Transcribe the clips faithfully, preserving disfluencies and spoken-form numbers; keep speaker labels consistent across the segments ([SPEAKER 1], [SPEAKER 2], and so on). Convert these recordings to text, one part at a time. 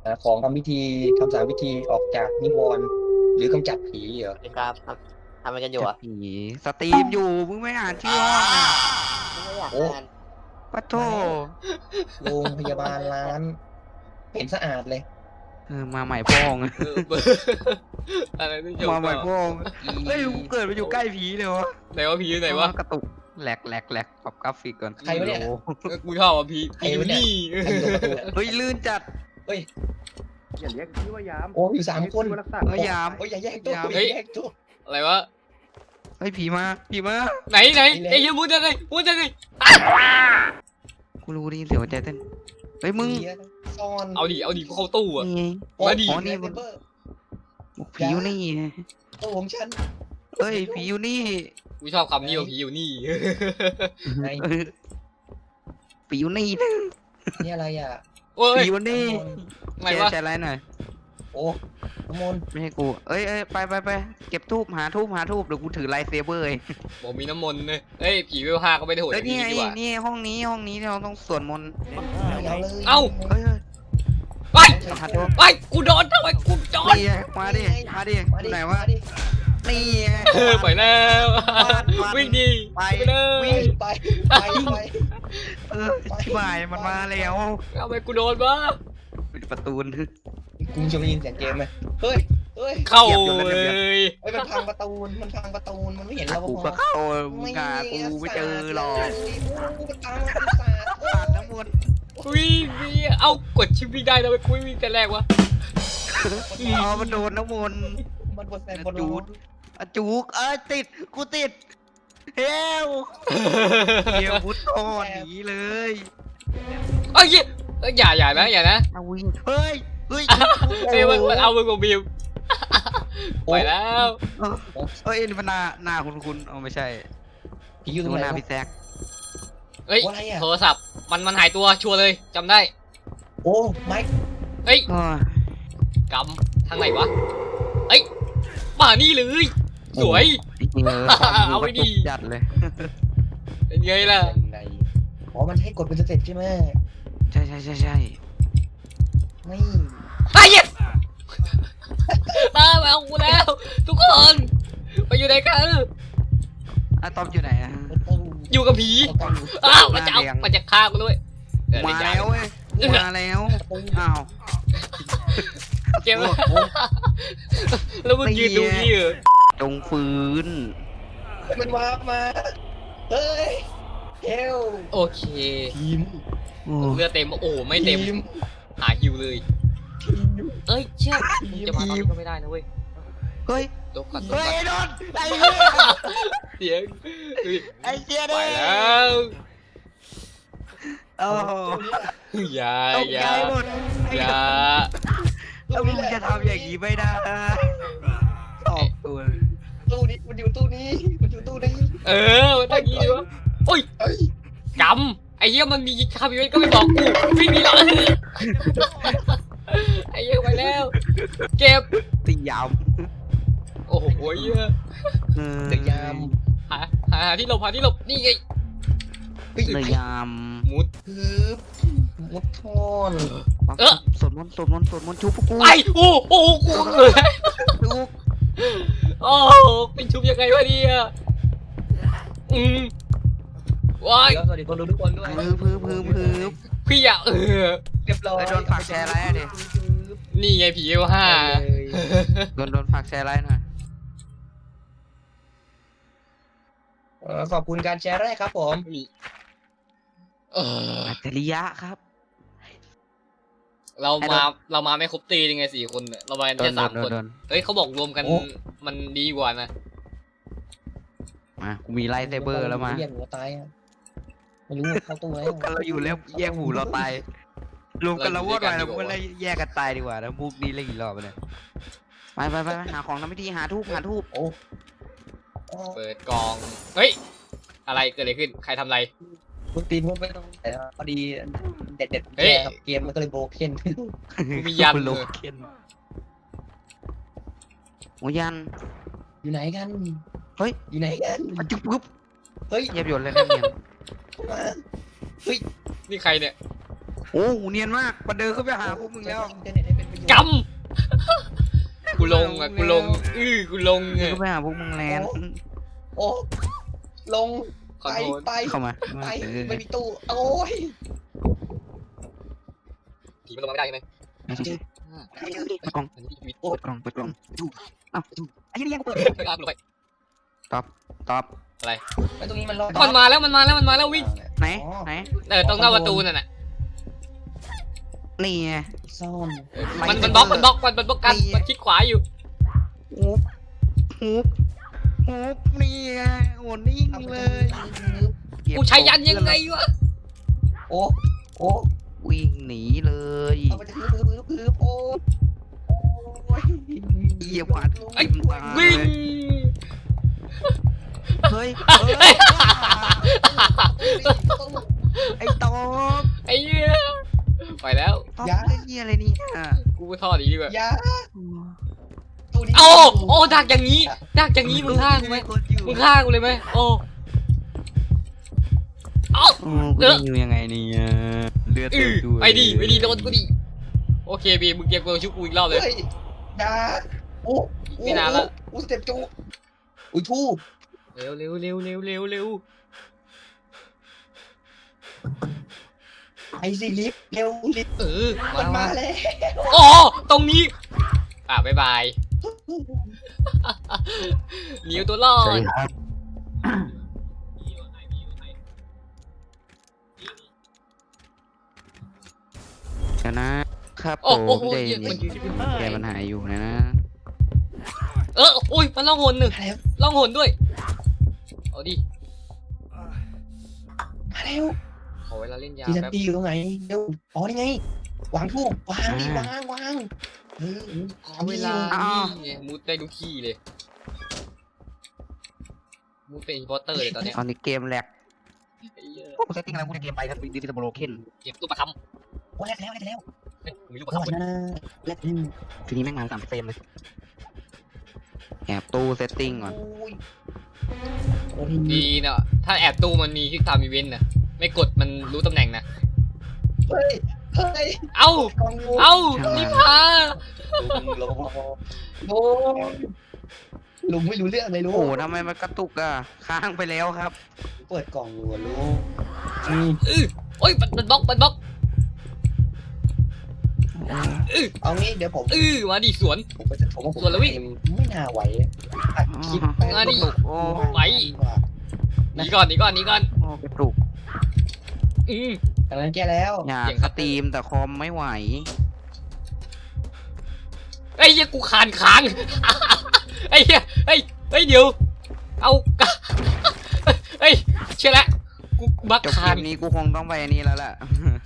[SPEAKER 1] หาของทำพิธีทำสามพิธีออกจากนิวรณ์หรือกำจัดผีเหรอ
[SPEAKER 2] สวัสดีครับทำทำอะไรกันอยู่
[SPEAKER 3] จัด
[SPEAKER 2] อ่ะ
[SPEAKER 3] ผีสตรีมอยู่มึงไม่อ่านชื่อห้องอ่ะ
[SPEAKER 2] ไม่อยาก
[SPEAKER 1] โอ้
[SPEAKER 2] อ่าน
[SPEAKER 3] ปะโท
[SPEAKER 1] โรงพยาบาลร้านเห็นสะอาดเลย
[SPEAKER 3] เออมาใหม่พ้อง
[SPEAKER 4] เออเบอร์อะไรไม่จบ
[SPEAKER 3] มาใหม่
[SPEAKER 4] ก็
[SPEAKER 3] พ้องเฮ้ย
[SPEAKER 1] อี
[SPEAKER 3] กูเกิดมาอยู่ใกล้ผีเลยวะ
[SPEAKER 4] ไหนว่าผีอยู่ไหนวะ
[SPEAKER 3] กระตุกแหลกแหลกแหลกปรับกราฟิกก่อน
[SPEAKER 1] ใครวะเนี่ย
[SPEAKER 3] โอ้โห
[SPEAKER 4] เออกูชอบอ่ะผีผีอยู่นี่
[SPEAKER 1] ใครอยู่ประตูอะ
[SPEAKER 3] เฮ้ยลื่นจัด
[SPEAKER 1] เฮ้ย
[SPEAKER 5] อย่าเรียกพี่ว่ายาม
[SPEAKER 1] โอ้อยู่สามคน
[SPEAKER 5] เรียกพี่ว่รักษา
[SPEAKER 3] เฮ้ยยาม
[SPEAKER 1] โอ้ยอย่าแยกตัว
[SPEAKER 3] ยาม
[SPEAKER 1] อย่าแยกตัว
[SPEAKER 4] อะไรวะ
[SPEAKER 3] เฮ้ยผีมาผีมา
[SPEAKER 4] ไหนไหน
[SPEAKER 1] นี่แหละ
[SPEAKER 4] ไอ้เหี้ยมุดยังไงมุดยังไง
[SPEAKER 3] กูรู้ได้ยินเสียงหัวใจเต้นเฮ้ยมึง
[SPEAKER 1] เดี๋ยวซ่อน
[SPEAKER 4] เอาดิเอาดิกูเข้าตู้อ่ะ
[SPEAKER 3] นี่ไง
[SPEAKER 1] โอ้
[SPEAKER 4] มาดิ
[SPEAKER 3] อ๋อนี่
[SPEAKER 1] เซเบอร์
[SPEAKER 3] ผีอยู่นี่
[SPEAKER 1] ตัวของฉัน
[SPEAKER 3] เฮ้ยผีอยู่นี่
[SPEAKER 4] กูชอบคำนี้ว่าผีอยู่นี่
[SPEAKER 1] ไง
[SPEAKER 3] เออผีอยู่นี่
[SPEAKER 1] นี่อะไรอ่ะ
[SPEAKER 4] โอ้ย
[SPEAKER 3] ผีอยู่นี่
[SPEAKER 4] ไหน
[SPEAKER 3] แช
[SPEAKER 4] วะ
[SPEAKER 3] ร์แชร์ไลน์หน่อย
[SPEAKER 1] โอ้น้ำมนต์
[SPEAKER 3] ไม่ให้กูเอ้ยเอ้ยไปไปไปเก็บทูบหาทูบหาทูบเดี๋ยวกูถือไลท์เซเบอร์เอง
[SPEAKER 4] บอกมีน้ำมนต์เลยเฮ้ยผีเวลห้าก็ไม่ได้โหดอ
[SPEAKER 3] เอ้ย
[SPEAKER 4] ย่าง
[SPEAKER 3] นี่
[SPEAKER 4] นี้
[SPEAKER 3] ไง
[SPEAKER 4] ดีกว่า
[SPEAKER 3] นี่ห้องนี้ห้องนี้เราต้องสวดมนต์
[SPEAKER 1] เอาเลย
[SPEAKER 4] เอ้า
[SPEAKER 3] เอ้ยเอ้ย
[SPEAKER 4] ไป
[SPEAKER 3] ต้องหาทูบ
[SPEAKER 4] ไปกูโดนทำไมกูโดน
[SPEAKER 3] นี่ไงมาดิมาดิ
[SPEAKER 1] มาดิ
[SPEAKER 3] ไหนวะ
[SPEAKER 1] มาดิ
[SPEAKER 3] นี่ไง
[SPEAKER 4] เออไปแล้ว
[SPEAKER 3] มา
[SPEAKER 4] วิ่งดี
[SPEAKER 3] ไป
[SPEAKER 4] ไปเลย
[SPEAKER 3] วิ่ง
[SPEAKER 1] ไปไปไป
[SPEAKER 3] เออชิบหายมันมาแล้ว
[SPEAKER 4] ทำไมกูโดนวะ
[SPEAKER 3] ปิดประตูน
[SPEAKER 1] กูจะได้ยินเสียงเกมไหมเฮ้ยเฮ้ย
[SPEAKER 4] เข้า
[SPEAKER 3] เหยียบอยู่
[SPEAKER 4] เล
[SPEAKER 3] แล้วเหยียบ
[SPEAKER 4] ย
[SPEAKER 1] เฮ้ยมันพังประตูมันพังประตูมันไม่เห็นเรา
[SPEAKER 3] กู
[SPEAKER 1] พ
[SPEAKER 3] ก็
[SPEAKER 1] อ
[SPEAKER 3] เข้ามึงกากูไม่เจอหรอก
[SPEAKER 1] กูตามมันสาด
[SPEAKER 3] ผ่านน้ำมนต์
[SPEAKER 4] วิ่งวิ่งเอ้ากดชิปวิ่งได้ทำไมกูไม่วิ่งแต่แรกวะ
[SPEAKER 3] อ๋อมันโดนน้ำมนต์
[SPEAKER 1] มันบนแซนบน
[SPEAKER 3] จู
[SPEAKER 1] รู
[SPEAKER 3] ด อะจุกเอ้ยติดกูติดเฮลเฮียพุทธอหนีเลย
[SPEAKER 4] เอ้ยเอ้ยอย่าอย่านะอย่านะ
[SPEAKER 3] เอาวิ่งเฮ้ยเฮ้ย
[SPEAKER 4] เอ้ยมันมันเอามือของบิวไปแล้ว
[SPEAKER 3] เอ้ยนี่มันหน้าหน้าคุณคุณเอาไม่ใช่
[SPEAKER 1] ผีอยู่ตร
[SPEAKER 3] ดู
[SPEAKER 1] งไห
[SPEAKER 3] ห
[SPEAKER 1] น
[SPEAKER 3] น้าว พี่แซก
[SPEAKER 4] เฮ้ย
[SPEAKER 1] อะไรอ่ะ
[SPEAKER 4] โทรศัพท์มันมันหายตัวชัวร์เลยจำได้
[SPEAKER 1] โอ้ไมค์
[SPEAKER 4] เฮ้ย
[SPEAKER 3] อ้อก
[SPEAKER 4] ำทางไหนวะเอ้ยมานี่เลยสวย
[SPEAKER 3] จริงๆเลย
[SPEAKER 4] เอาไว้ดิ
[SPEAKER 3] จัดเลย
[SPEAKER 4] เป็นไงล่ะ
[SPEAKER 1] ยังไงอ๋อมันให้กดเป็นสเต็ปใช่ไหม
[SPEAKER 3] ใช่ใช่ใช่ใช่
[SPEAKER 1] ไม่
[SPEAKER 4] ไอ้เหี้ยตามมาเอากูแล้ว ทุกคนไปอยู่ไหนกัน
[SPEAKER 3] อะตอมอยู่ไหนอะ
[SPEAKER 1] ประตู
[SPEAKER 4] อยู่กับผี
[SPEAKER 1] ประตู
[SPEAKER 4] อ้าวมันจะเอามันจะฆ่ากูด้วยเออ
[SPEAKER 3] มา
[SPEAKER 4] เดี๋ย
[SPEAKER 3] แล้วเว้ยมาแล้วอ้าว
[SPEAKER 4] เกมแล้วมึงยืนดูนี่เหรอ
[SPEAKER 3] จงฟื้น
[SPEAKER 1] มันวาร์ปมาเฮ้ยเฮล
[SPEAKER 4] โอเค
[SPEAKER 1] ทีม
[SPEAKER 3] โอ้
[SPEAKER 4] เลือดเต็มโอ้ไม่เต็ม
[SPEAKER 1] ทีม
[SPEAKER 4] หาฮิวเลย
[SPEAKER 1] ทีม
[SPEAKER 4] เอ้ยเชี่ยมึงจะมาตอนนี้ก็ไม่ได้นะเว้ย
[SPEAKER 3] เฮ้ย
[SPEAKER 4] ตกก่อนตก
[SPEAKER 3] เฮ้ย
[SPEAKER 4] ก่อน
[SPEAKER 3] ไอ้โดนไอ้เหี้ย
[SPEAKER 4] เสียงเฮ้ย
[SPEAKER 3] ไอ้เจี๊ย
[SPEAKER 4] ไป
[SPEAKER 3] ดิ
[SPEAKER 4] แล้ว
[SPEAKER 3] โอ้
[SPEAKER 4] อย่า
[SPEAKER 3] ตก
[SPEAKER 4] อ
[SPEAKER 3] ใจ
[SPEAKER 4] ย่า
[SPEAKER 3] หมดไอ้
[SPEAKER 4] อย่า
[SPEAKER 3] แล้วมึงจะทำอย่างนี้ไม่ได้ออกตัว
[SPEAKER 1] ตู้นี้มันอยู่ตู้นี้มันอยู่ตู้นี้
[SPEAKER 4] เออมันต้องยีวะโอ้ย
[SPEAKER 1] เอ้ย
[SPEAKER 4] กำไอ้เหี้ยมันมีคาบิเวนก็ไม่บอกกูวิ่งหนีหรอกไอ้เหี้ยไปแล้ว เก็บ
[SPEAKER 3] ตียาม
[SPEAKER 4] โอ้โหเหี้ย
[SPEAKER 1] เดือยาม
[SPEAKER 4] หาหาหาที่หลบหาที่หลบนี่ไง
[SPEAKER 1] เฮ้ย
[SPEAKER 3] เดือยาม
[SPEAKER 4] มุด
[SPEAKER 1] ฮึบมุดทอน
[SPEAKER 4] เออ
[SPEAKER 3] สวดมนต์สวดมนต์สวดมนต์ชุบพวกกู
[SPEAKER 4] ไอ้โอ้โอ้กูเกิด
[SPEAKER 3] ชุบ
[SPEAKER 4] โอ้เป็นชุบยังไงวะเนี่ยอืมว้าย
[SPEAKER 1] เดี๋ยวสวัสดีคนดูทุกคนด้วย
[SPEAKER 3] พื้พื้พื้พื้
[SPEAKER 4] พี่อยากเออ
[SPEAKER 1] เรียบร้อย
[SPEAKER 3] ไปโดนฝากแชร์อะไรอะดิ
[SPEAKER 4] นี่ไงผีเอลห้า
[SPEAKER 3] โดนโดนฝากแชร์ไลน์หน่อย
[SPEAKER 1] เออขอบคุณการแชร์แรกครับผม
[SPEAKER 4] นี่เออ
[SPEAKER 3] อัจฉริยะครับ
[SPEAKER 4] เรามาเรามาไม่ครบตียังไงสี่คนเนี่ยเรามากัน
[SPEAKER 3] โด
[SPEAKER 4] แค่
[SPEAKER 3] น
[SPEAKER 4] สาม
[SPEAKER 3] โด
[SPEAKER 4] คน
[SPEAKER 3] นโดน
[SPEAKER 4] เฮ้ยเขาบอกรวมกันมันดีกว่านะ
[SPEAKER 3] มากูมีไลท์เซเบอร์แล้วมา
[SPEAKER 1] เรียกหัวตายอะไม่รู้เข้าตู้แล้ว
[SPEAKER 3] กันเราอยู่แล้วแยกหูเราตายรวมกันเราวอดไปเราก็เลยแยกกันตายดีกว่าแล้วมุกนี้เล่นกี่รอบเนี่ยไปไปไปหาของทำพิธีหาทูบหาทูบ
[SPEAKER 1] โอ้โอ้
[SPEAKER 4] เปิดกล่องเฮ้ยอะไรเกิดอะไรขึ้นใครทำอะไร
[SPEAKER 1] มึงตีนมึงไม่ต้องแต่พอดีเด็ดเด็ด
[SPEAKER 4] เฮ้ย
[SPEAKER 1] เกมมันก็เลยโบเคน
[SPEAKER 4] กูมียัน
[SPEAKER 3] โล
[SPEAKER 4] เลย
[SPEAKER 3] เคนโอ้ยัน
[SPEAKER 1] อยู่ไหนกัน
[SPEAKER 3] เฮ้ย
[SPEAKER 1] อยู่ไหนกัน
[SPEAKER 3] อะจุ๊บปุ๊บ
[SPEAKER 1] เฮ้ย
[SPEAKER 3] เยียบหยดเลยนะเนียน
[SPEAKER 1] มาเฮ้ย
[SPEAKER 4] นี่ใครเนี่ย
[SPEAKER 3] โอ้เนียนมากมาเดินเข้าไปหาพวกมึงแล้ว
[SPEAKER 1] อินเทอร์เน็ตให้เป็นประโยชน์
[SPEAKER 4] กำกูลงอ่ะกูลงอื้อกูลง
[SPEAKER 3] เดิน
[SPEAKER 4] อ่ะ
[SPEAKER 3] เข้าไปหาพวกมึงแล้ว
[SPEAKER 1] โอ้ลง
[SPEAKER 4] ขอ
[SPEAKER 1] ไป
[SPEAKER 4] โทษ
[SPEAKER 1] ไป
[SPEAKER 3] เข้ามา
[SPEAKER 1] ไป
[SPEAKER 3] เออ
[SPEAKER 1] ไม่มีตู้โอ้ย
[SPEAKER 4] ผีมันลงมาไม่ได้ใช่ไหม
[SPEAKER 3] ไม่ใช่เปิดกล่อง
[SPEAKER 4] อันนี้พี่ชีวิต
[SPEAKER 3] เปิดกล่องเปิดกล่องอ้าวไอ้เหี้ยกูเปิด
[SPEAKER 4] ไม่กล้าลงไป
[SPEAKER 3] ตอบตอบ
[SPEAKER 1] แล้วตรงนี้มันรอด
[SPEAKER 4] มันมาแล้วมันมาแล้วมันมาแล้ววิ่ง
[SPEAKER 3] ไหนไหน
[SPEAKER 4] เออตรงหน้าประตูนั่นน่ะ
[SPEAKER 3] นี่ไง
[SPEAKER 1] ซ่อน
[SPEAKER 4] เออมันมันบล็อกมันบล็อกมันมันบล็อกกันมันคลิกขวาอยู่
[SPEAKER 3] ฮูบฮูบฮูบนี่ไงโอ้นิ่ง
[SPEAKER 1] เอาไป
[SPEAKER 3] เล
[SPEAKER 1] เลย ย
[SPEAKER 4] กูใช้ยันยังไงวะ
[SPEAKER 1] โอ้โอ้
[SPEAKER 3] วิ่งหนีเลย
[SPEAKER 1] เอาไปถือถือถือถือโอ้โอ้ย
[SPEAKER 3] เหยียบหวาด
[SPEAKER 4] ไอ้
[SPEAKER 3] ทิ่มตา
[SPEAKER 4] วิ่ง
[SPEAKER 3] เฮ้ยเฮ้ยไอ้ตอบ
[SPEAKER 4] ไอ้เหี้ยไปแล้ว
[SPEAKER 3] ตอบเล่นเหี้ยอะไรเนี่ย
[SPEAKER 4] กูทอดอีกดีกว่า
[SPEAKER 1] อยาตู้นี้
[SPEAKER 4] โอ้โอ้ดักอย่างนี้ดักอย่างนี้มึงฆ่ากูไหมมึงฆ่ากูเลยไหมโอ้เอ้า
[SPEAKER 3] โอ้กูจะอยู่ยังไงเนี่ยเลือด
[SPEAKER 4] อื
[SPEAKER 3] เต็ม
[SPEAKER 4] อ
[SPEAKER 3] ตัว
[SPEAKER 4] ไปดิไปดิโดนกูดิโอเคบีมึงเก็บกูชุบกูอีกรอบเลย
[SPEAKER 1] เฮ้ยอยาโอ้โอ้
[SPEAKER 4] ไม่นานละ
[SPEAKER 1] อู้สเต็ปจูอุ้ยทู่
[SPEAKER 4] เร็วเร็วเร็วเร็วเร็วเร็ว
[SPEAKER 1] ไอซีลิฟต์เร็วลิฟต์
[SPEAKER 4] เออ
[SPEAKER 1] มันมาแล้ว
[SPEAKER 4] โอ้ตรงนี้อ่ะบ๊ายบายหนีตัวรอด
[SPEAKER 3] ชนะครับ
[SPEAKER 4] โอ้
[SPEAKER 3] ผ
[SPEAKER 4] โอ้
[SPEAKER 3] ม
[SPEAKER 4] โห
[SPEAKER 3] ใจ
[SPEAKER 4] เหี้
[SPEAKER 3] เย็
[SPEAKER 4] ย
[SPEAKER 3] น
[SPEAKER 4] มัน
[SPEAKER 3] แกมันหายอยู่นะ
[SPEAKER 4] เอออุ้ยมันล่องหนหนึ่ง
[SPEAKER 1] มาแล้ว
[SPEAKER 4] ล่องหนด้วยเอาดิ
[SPEAKER 1] มาแล้ว
[SPEAKER 4] ขอเวลาเล่นยา
[SPEAKER 1] ทีนัน
[SPEAKER 4] แป๊บ
[SPEAKER 1] ตีอยู่ตรงไหนเร็วอ๋อนี่ไงวางทูบวางดิวางวางเออ
[SPEAKER 4] ขอเวลานี่ไงมุดได้ทุกที่เลยมุดเป็นอินพอร์เตอร์เลยตอนเนี้ย
[SPEAKER 3] ตอนนี้เกมแหลก
[SPEAKER 4] ไอ้เหี้ย
[SPEAKER 3] กูเซตติ้งอะไรกูจะเกมไปครับดิจิตอลโบรเคน
[SPEAKER 4] เก็บตู้ประค
[SPEAKER 1] โอ้แลกแล้วแลกแล้ว
[SPEAKER 4] ำเฮ้ยมีลูก
[SPEAKER 1] ข
[SPEAKER 4] ประ
[SPEAKER 1] อ
[SPEAKER 4] คำ
[SPEAKER 1] โทษนะแลกแล้ว
[SPEAKER 3] ทีนี้แม่งมาสามเฟรมเลยแอบตู้เซตติ้งก่อน
[SPEAKER 1] โอ้ยโอ้ย
[SPEAKER 4] ดีเนาะถ้าแอบตู้มันมีคลิกไทม์อีเวนต์นะไม่กดมันรู้ตำแหน่งนะ
[SPEAKER 1] เฮ้ยเฮ้ย
[SPEAKER 4] เอ้า
[SPEAKER 1] กองงู
[SPEAKER 4] เอ้านี่พา
[SPEAKER 1] ลุงลุงลุงลุงไม่รู้เรื่องเลยลุ
[SPEAKER 3] โอ้
[SPEAKER 1] ง
[SPEAKER 3] โหทำไมมันกระตุกอ่ะค้างไปแล้วครับ
[SPEAKER 1] เปิดกล่องอยู่อะลุงอืม
[SPEAKER 4] อื้อโอ้ยมันมันบล็อกมันบล็อก
[SPEAKER 1] เอางี้เดี๋ยวผม
[SPEAKER 4] อื้อมาดิสวน
[SPEAKER 1] ผมก็จะผมว่าผม
[SPEAKER 4] ส่วนละวิ่ง
[SPEAKER 1] ไม่น่าไหวอัดคลิปไป
[SPEAKER 4] มาดิ
[SPEAKER 3] โอ้
[SPEAKER 4] ไหว หนีก่อนหนีก่อนหนีก่อน
[SPEAKER 3] โอ้กระตุก
[SPEAKER 4] อืม
[SPEAKER 1] อันนั้นแก้แล้ว
[SPEAKER 3] อยาก
[SPEAKER 4] เสียง
[SPEAKER 3] ส
[SPEAKER 4] ครับ
[SPEAKER 3] ตรีมแต่คอมไม่ไหว
[SPEAKER 4] ไอ้เหี้ยกูขานค้าง ไอ้เหี้ยไอ้ไอ้ยเดี๋ยวเอา เฮ้ยเชื่อละกูบัก
[SPEAKER 3] จบ
[SPEAKER 4] คา
[SPEAKER 3] เก
[SPEAKER 4] น
[SPEAKER 3] มนี้กูคงต้องไปอันนี้แล้วล่ะ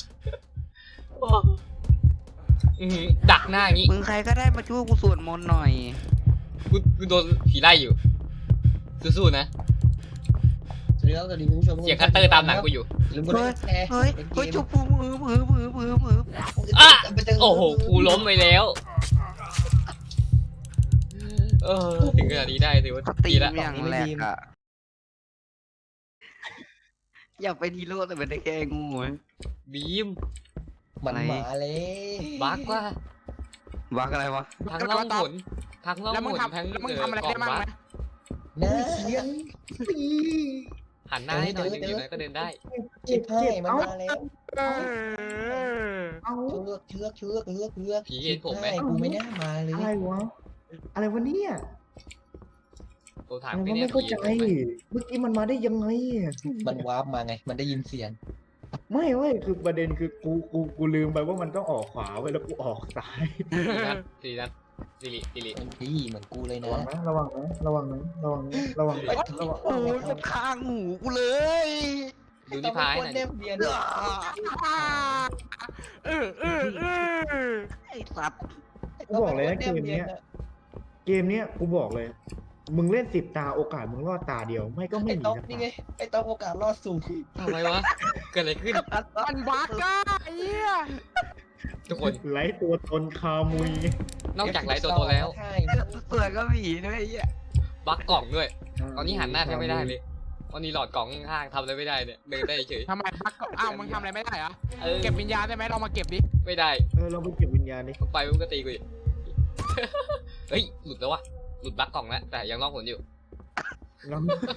[SPEAKER 4] อื้อหือดักหน้าอย่างงี้
[SPEAKER 3] มึงใครก็ได้มาช่วยกูสวดมนต์หน่อย
[SPEAKER 4] กูกูโดนผีไล่อยู่สู้ๆนะ
[SPEAKER 1] สวัสดีครับสวัสดีคุณผู้ชม
[SPEAKER 4] เสียงคัตเตอร์ตามหลังกูอยู่
[SPEAKER 1] ลืมกดไลค์กดแชร์
[SPEAKER 3] เฮ้ย
[SPEAKER 1] เป็นเก
[SPEAKER 3] เฮ้ย
[SPEAKER 1] ม
[SPEAKER 3] จุบมือมือมือมือมือมือ
[SPEAKER 4] อ่ะ
[SPEAKER 1] ไปเจ
[SPEAKER 4] โอ้โหกูล้มไปแล้วเออถึงขนาดนี้ได้ถือว่า
[SPEAKER 3] สตรี
[SPEAKER 4] ดี
[SPEAKER 3] ม
[SPEAKER 4] ละ
[SPEAKER 3] อย่างแรกอะอยากเป็นฮีโร่แต่เป็นได้แค่งูเว้ย
[SPEAKER 4] บีม
[SPEAKER 1] มัน
[SPEAKER 3] ไหน
[SPEAKER 1] มาเลย
[SPEAKER 4] บักว่า
[SPEAKER 3] บักอะไรวะ
[SPEAKER 4] ทั้งล่องหนทั้งล่อง
[SPEAKER 3] แล้ว
[SPEAKER 4] ห
[SPEAKER 3] มึง
[SPEAKER 4] น
[SPEAKER 3] ทำ
[SPEAKER 4] ทั้ง
[SPEAKER 3] แล้วมึง
[SPEAKER 4] เออ
[SPEAKER 3] ทำอะไร
[SPEAKER 4] กล่อ
[SPEAKER 3] ได้
[SPEAKER 4] ง
[SPEAKER 3] บ้าง
[SPEAKER 4] บั
[SPEAKER 3] ไหม
[SPEAKER 4] ก
[SPEAKER 1] นะเสียง
[SPEAKER 4] หันหน้าให้หน่อยหนึ่งอยู่ไหนก็เดินได้
[SPEAKER 1] ชิบให้มันมาแล้ว
[SPEAKER 5] เอา
[SPEAKER 1] เชือกเชือกเชือกเชือกเชือก
[SPEAKER 4] ผีเห็นผมไหม
[SPEAKER 1] ชิบกูไม่น่ามาเลย
[SPEAKER 5] อะไรวะ อะไรวะเนี่ย
[SPEAKER 4] ตัวถาม
[SPEAKER 5] อะไร
[SPEAKER 4] ไป
[SPEAKER 5] วะ
[SPEAKER 4] เนี่ย
[SPEAKER 5] ไม่เข้าใจ
[SPEAKER 4] ผีเห็นผมไหม
[SPEAKER 5] เมื่อกี้มันมาได้ยังไงอะ
[SPEAKER 1] มันวาร์ปมาไง มันได้ยินเสียง
[SPEAKER 5] ไม่เว้ยคือประเด็นคือกูกูกูลืมไปว่ามันต้องออกขวาไว้แล้วกูออกซ้าย
[SPEAKER 4] สี่นัดสี่นัดสิริสิริ
[SPEAKER 1] มันดีเหมือนกูเลย
[SPEAKER 5] ระ
[SPEAKER 1] นะ
[SPEAKER 5] วังนะระวังนะระวังนะระวังนะระวังนะระวัง
[SPEAKER 3] โอ้ยจะข้างหูกูเลย
[SPEAKER 4] ดูนิพายหน่อย
[SPEAKER 1] เน
[SPEAKER 4] ดิ
[SPEAKER 1] มเบียน
[SPEAKER 3] เออเออเออไอ้สัตว์
[SPEAKER 5] กูบอกเลยนะเกมเนี้ยเกมเนี้ยกูบอกเลย มึงเล่นสิบตาโอกาสมึงรอดตาเดียวไม่ก็ไม่
[SPEAKER 1] ไอ้
[SPEAKER 5] มี
[SPEAKER 1] ต๊อก
[SPEAKER 5] สัก
[SPEAKER 1] นี่
[SPEAKER 5] ตา
[SPEAKER 1] ไง ไอ้ต๊อกโอกาสรอดสูง
[SPEAKER 4] ทำไมวะเกิดอะไรขึ้น
[SPEAKER 3] มันบักอะไอ้เหี้ย
[SPEAKER 4] ทุกคน
[SPEAKER 5] ไร้ตัวตนคามุย
[SPEAKER 4] นอกจากไลฟ์ตัวโตแล้ว
[SPEAKER 1] ใช่
[SPEAKER 3] เสือก็ผีด้วยไอ้เหี้ย
[SPEAKER 4] บักกล่องด้วย ตอนนี้หันหน้าแทบไม่ได้เลยวันนี้หลอดกล่องข้างๆทำอะไรไม่ได้เนี่ยเดินได้เฉย
[SPEAKER 6] ทำไมบักก็อ้าวมึงทำอะไรไม่ได้เหรอ
[SPEAKER 4] เออ
[SPEAKER 6] เก็บวิญญาณได้ไหมลองมาเก็บดิ
[SPEAKER 4] ไม่ได้
[SPEAKER 5] เออเราไปเก็บวิญญาณดิ
[SPEAKER 4] ไปมึงก็ตีกูอีก เฮ้ยหลุดแล้ววะหลุดบั๊กกล่องแล้วแต่ยังรอดผลอยู่
[SPEAKER 5] เรา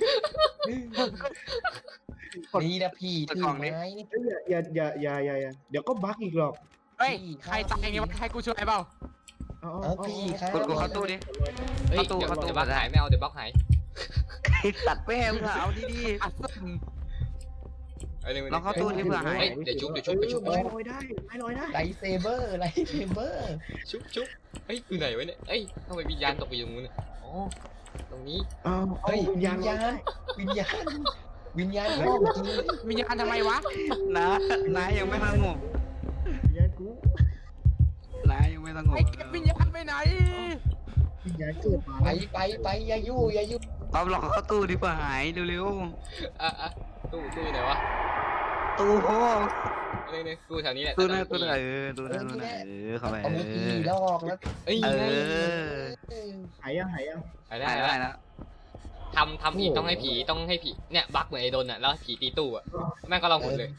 [SPEAKER 1] นี่นะพี่ถือไม้นี่
[SPEAKER 5] เอ้ยอย่าอย่าอย่าอย่าอย่าอย่าเดี๋ยวก็บั๊กอีกหรอก
[SPEAKER 6] เฮ้ยใครตายอย่างงี้วะให้กูช่วยเปล่า
[SPEAKER 5] เอา
[SPEAKER 1] เอา
[SPEAKER 5] เอา
[SPEAKER 1] พี่ครับ
[SPEAKER 3] กดกูเข้าตู้ดิ
[SPEAKER 4] เฮ้ย
[SPEAKER 3] เข้าตู้
[SPEAKER 4] เดี๋ยว
[SPEAKER 3] เข้าตู้
[SPEAKER 4] เดี๋ยวบั๊กหายไม่เอาเดี๋ยวบั๊กหาย
[SPEAKER 3] ตัดแม่มึงอะเอาดี
[SPEAKER 6] อัดซึม
[SPEAKER 4] เอ้ย
[SPEAKER 3] ลองเข้าตู้ดิเผื่อหาย
[SPEAKER 4] เฮ้ยเดี๋ยวชุบเดี๋ยวชุบเดี๋ยวชุบ
[SPEAKER 5] ไม้ลอยได้ไม้ลอยได้
[SPEAKER 1] ไลท์เซเบอร์ไลท์เซเบอร์
[SPEAKER 4] ชุบชุบเฮ้ยอยู่ไหนวะเนี่ยเฮ้ยทำไมวิญญาณตกไปอยู่ตรงนู้นเนี่ยอ๋อตรงนี้
[SPEAKER 5] เอาเอา
[SPEAKER 1] เฮ้ย
[SPEAKER 5] วิ
[SPEAKER 1] วิ
[SPEAKER 5] ญ
[SPEAKER 1] ญ
[SPEAKER 5] ญาณ
[SPEAKER 1] ญา
[SPEAKER 5] ลอย
[SPEAKER 1] ณวิญญาณวิญญาณเข้าจริง
[SPEAKER 6] วิญญาณทำไมวะ
[SPEAKER 3] ๆนะนายยังไม่สงบ
[SPEAKER 5] วิญญาณกู
[SPEAKER 3] นายยังไม่สงบ
[SPEAKER 6] ไอ้เก็บวิญญาณไปไหน
[SPEAKER 5] วิญญาณเกิดมา
[SPEAKER 1] ไปไปไปอย่ายู่อย่ายู่
[SPEAKER 3] เอาลองเข้าตู้ดิเผื่อหายเร็ว
[SPEAKER 4] อ่ะอ่ะตู้ตู้อยู่ไหนวะ
[SPEAKER 3] ๆตู้โฮ
[SPEAKER 4] เนี่ยเนี่ยตู้แถวนี้แหละ
[SPEAKER 3] ตู้นั่นตู้นั่นเออตู้นั่นตู้นั่นเออเข้าไป
[SPEAKER 1] เอา
[SPEAKER 3] เอ
[SPEAKER 1] มือตี
[SPEAKER 3] อ
[SPEAKER 1] ลอกแล้ว
[SPEAKER 4] เอ้ย
[SPEAKER 3] เอ
[SPEAKER 4] ไง
[SPEAKER 3] อ
[SPEAKER 5] หายยังหายยัง
[SPEAKER 4] ไปได้
[SPEAKER 3] ได้
[SPEAKER 4] แล้ว
[SPEAKER 3] ได้แล้ว
[SPEAKER 4] ทำทำผีต้องให้ผีต้องให้ผีเนี่ยบั๊กเหมือนไอ้โดนอ่ะแล้วผีตีตู้อ่ะแม่งก็ลองหมดเลย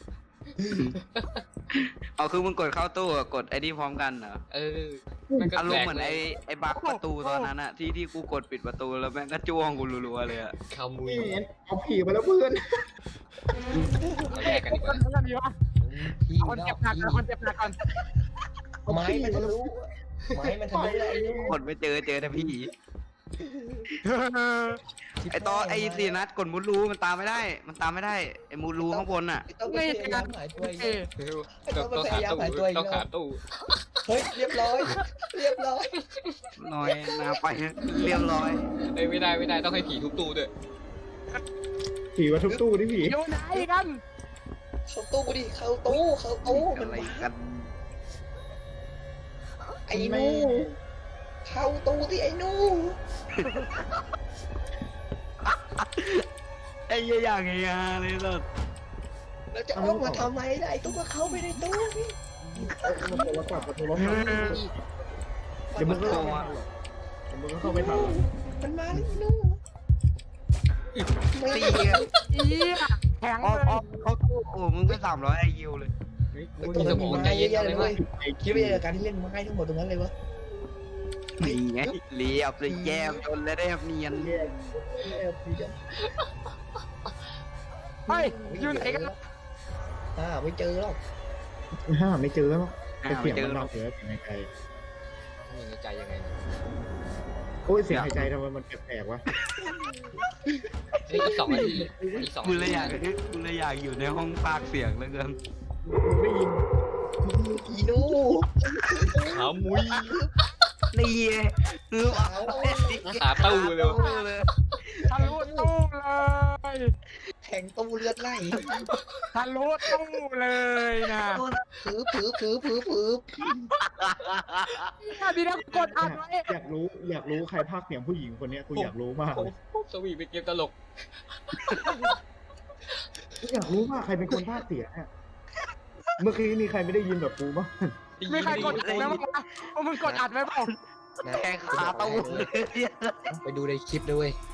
[SPEAKER 3] เอาคือมึงกดเข้าตู้กับกดไอ้นี่พร้อมกันเหรอ
[SPEAKER 4] เออแม่งก็
[SPEAKER 3] อาร
[SPEAKER 4] แปล
[SPEAKER 3] มณ์
[SPEAKER 4] ก
[SPEAKER 3] เหมือน
[SPEAKER 4] เล
[SPEAKER 3] ไอ้
[SPEAKER 4] ย
[SPEAKER 3] ไอ้บั๊กประตูตอนนั้นอะที่ที่กูกดปิดประตูแล้วแม่งก็จ้วงกูรัวๆเลยอะ
[SPEAKER 4] ขโมุย
[SPEAKER 5] นี่เอาผีมาแล้วเพื่อน
[SPEAKER 4] เอาแยกกันดีก
[SPEAKER 6] ค
[SPEAKER 4] ว่าน
[SPEAKER 6] นั้นดีวะ
[SPEAKER 1] พี่
[SPEAKER 6] คน
[SPEAKER 1] ลอ
[SPEAKER 6] เจ็
[SPEAKER 1] ก
[SPEAKER 6] บหนัก
[SPEAKER 1] พี่
[SPEAKER 6] นะคนเจ็บหนักก่อน
[SPEAKER 1] ไม้มันทะลุไม้มันทะลุไอ้นู่น
[SPEAKER 3] กดไม่เจอเจอแต่พี่ไอ้ตอนไอ้สี่นัดกดมุดรูมันตามไม่ได้ มันตามไม่ได้ไอ้มุดรูข้างบนอะ
[SPEAKER 1] ต้องพยายามหายตัวอีก
[SPEAKER 6] เอ้ย
[SPEAKER 4] ต้องต้องหาตู้ต้องหาตู้
[SPEAKER 1] เฮ้ยเรียบร้อย เรียบร้อย
[SPEAKER 3] น้อยนาไปเรียบร้อย
[SPEAKER 4] เอ้ยไม่ได้ไม่ได้ต้องให้ผีทุบตู้ด้วย
[SPEAKER 5] ผีมาทุบตู้ดิผี
[SPEAKER 6] อยู่ไหนกัน
[SPEAKER 1] เข้าตู้ดิเข้าตู้เข้าตู้มัน
[SPEAKER 3] อะไร
[SPEAKER 1] มา
[SPEAKER 3] กัน
[SPEAKER 1] ไอ้นู่เข้าตู้ที่ไอ้นู่
[SPEAKER 3] ไอ้เหี้ยอย่างเงี้ยเลยสุด
[SPEAKER 1] แล้วจะออกมาทำไมล่ะไอ้ตู้ก็เข้าไปในตู้นี่
[SPEAKER 5] เอามาโทรศัพท์มาโทรศัพท์เดี๋ยวมึงก็เข้าไม่ทันหรอกเดี๋ยวมึงก็เข้าไม่ทันหรอก
[SPEAKER 1] มันมาแล้วไอ้นู่ไม่
[SPEAKER 3] ตีอะ
[SPEAKER 6] อีแข็ง
[SPEAKER 3] ออ
[SPEAKER 6] เล
[SPEAKER 3] ฟออย ฟเขาตู้โอ้มึงไปสามร้อยไอคิวเลย
[SPEAKER 1] ตู้มันมีไม้เยอะแยะเลยเว้ยคิดว่าจะการที่เล่นไม้ทั้งหมดตรงนั้นเลยวะ
[SPEAKER 3] นี่ไงเรียบเลยแยมจนเลยได้เนียน
[SPEAKER 5] แย่แย่ผีกัน
[SPEAKER 6] เฮ้ยอยู่ไหนกัน
[SPEAKER 1] อ่าไม่เจอหรอก
[SPEAKER 5] ห้าไม่เจอแล้ว
[SPEAKER 3] อ่า
[SPEAKER 5] แต่เสียง
[SPEAKER 3] ไม่เจ
[SPEAKER 5] มั
[SPEAKER 3] อน หร
[SPEAKER 5] ดั
[SPEAKER 3] อง ก
[SPEAKER 5] เสียงเสียงหายใจ
[SPEAKER 4] มีในใจยังไง
[SPEAKER 5] โอ้ยเสียงหายใจทำไมมันแปลกๆวะ
[SPEAKER 4] เฮ้ยอีกสองนาทีอีกสอง
[SPEAKER 3] กูเลยอยากกูเลยอยากอยู่ในห้องพากย์เสียงเหลือเกิน
[SPEAKER 5] มึงได้ยิน
[SPEAKER 1] อีนู่
[SPEAKER 4] ขามุย
[SPEAKER 3] นี่ไงคือเอา
[SPEAKER 4] หาตู้เร็ว
[SPEAKER 3] เลย
[SPEAKER 6] ทะลุตู้เลย
[SPEAKER 1] แทงตู้เลือดไหล
[SPEAKER 6] ทะลุตู้เลยนะ
[SPEAKER 1] ผือผือผือผือผือ
[SPEAKER 6] ดีนะกดอัดไว้
[SPEAKER 5] อยากรู้อยากรู้ใครพากย์เสียงผู้หญิงคนเนี้ยกูอยากรู้มากเลย
[SPEAKER 4] สวีเป็นเกมตลก
[SPEAKER 5] กูอยากรู้ว่าใครเป็นคนพากย์เสียงอะเมื่อกี้มีใครไม่ได้ยินแบบกูบ้าง
[SPEAKER 6] ไม่ใครกดอัดแล้วมั้งมึงกดอัดไว้เปล่า
[SPEAKER 3] แทงขาตู้เลย
[SPEAKER 1] ไปดูในคลิปด้วยเวย